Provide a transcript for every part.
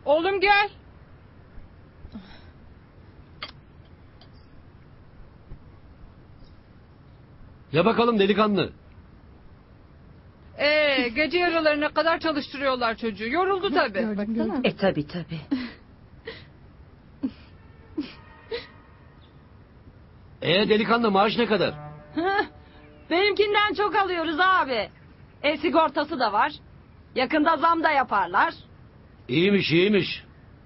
Oğlum gel. Ya bakalım delikanlı. Gece yarılarına kadar çalıştırıyorlar çocuğu. Yoruldu tabii. Tabii. Delikanlı maaş ne kadar? Benimkinden çok alıyoruz abi. Sigortası da var. Yakında zam da yaparlar. İyiymiş.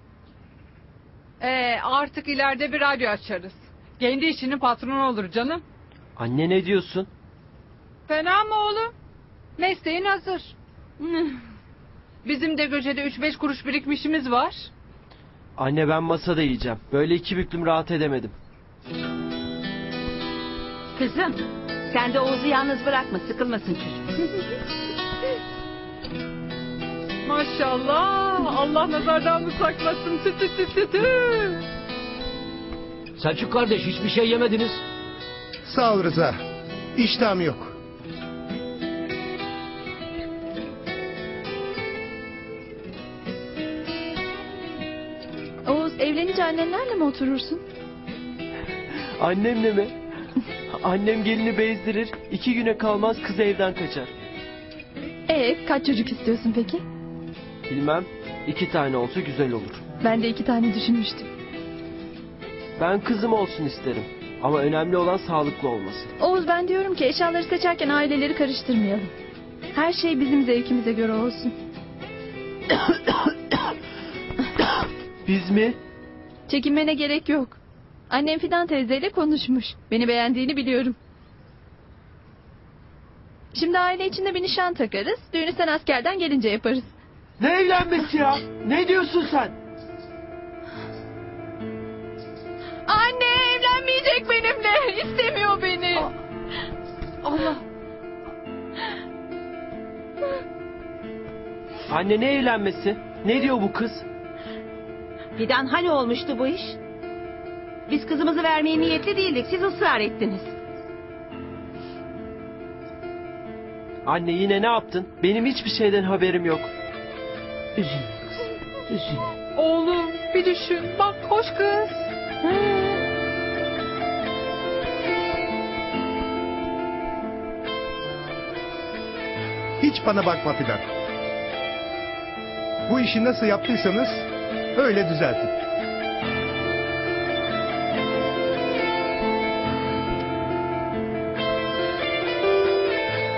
Artık ileride bir radyo açarız. Kendi işinin patronu olur canım. Anne ne diyorsun? Fena mı oğlum? Mesleğin hazır. Bizim de Göce'de 3-5 kuruş birikmişimiz var. Anne ben masada yiyeceğim. Böyle iki büklüm rahat edemedim. Kızım sen de Oğuz'u yalnız bırakma, sıkılmasın çocuk. Maşallah. Allah nazardan mı saklasın? Tü. Selçuk kardeş hiçbir şey yemediniz. Sağ ol Rıza. İştahım yok. Oğuz, evlenince annenlerle mi oturursun? Annemle mi? Annem gelini bezdirir. 2 güne kalmaz kız evden kaçar. Kaç çocuk istiyorsun peki? Bilmem. 2 tane olsa güzel olur. Ben de 2 tane düşünmüştüm. Ben kızım olsun isterim. Ama önemli olan sağlıklı olması. Oğuz, ben diyorum ki eşyaları seçerken aileleri karıştırmayalım. Her şey bizim zevkimize göre olsun. Biz mi? Çekinmene gerek yok. Annem Fidan teyzeyle konuşmuş. Beni beğendiğini biliyorum. Şimdi aile içinde bir nişan takarız. Düğünü sen askerden gelince yaparız. Ne evlenmesi ya? Ne diyorsun sen? Anne evlenmeyecek benimle. İstemiyor beni. Allah. Anne ne evlenmesi? Ne diyor bu kız? Fidan hani olmuştu bu iş? Biz kızımızı vermeye niyetli değildik, siz ısrar ettiniz. Anne yine ne yaptın? Benim hiçbir şeyden haberim yok. Üzülme kızım, üzülme. Oğlum bir düşün. Bak hoş kız. Hiç bana bakma Fidan. Bu işi nasıl yaptıysanız öyle düzeltin.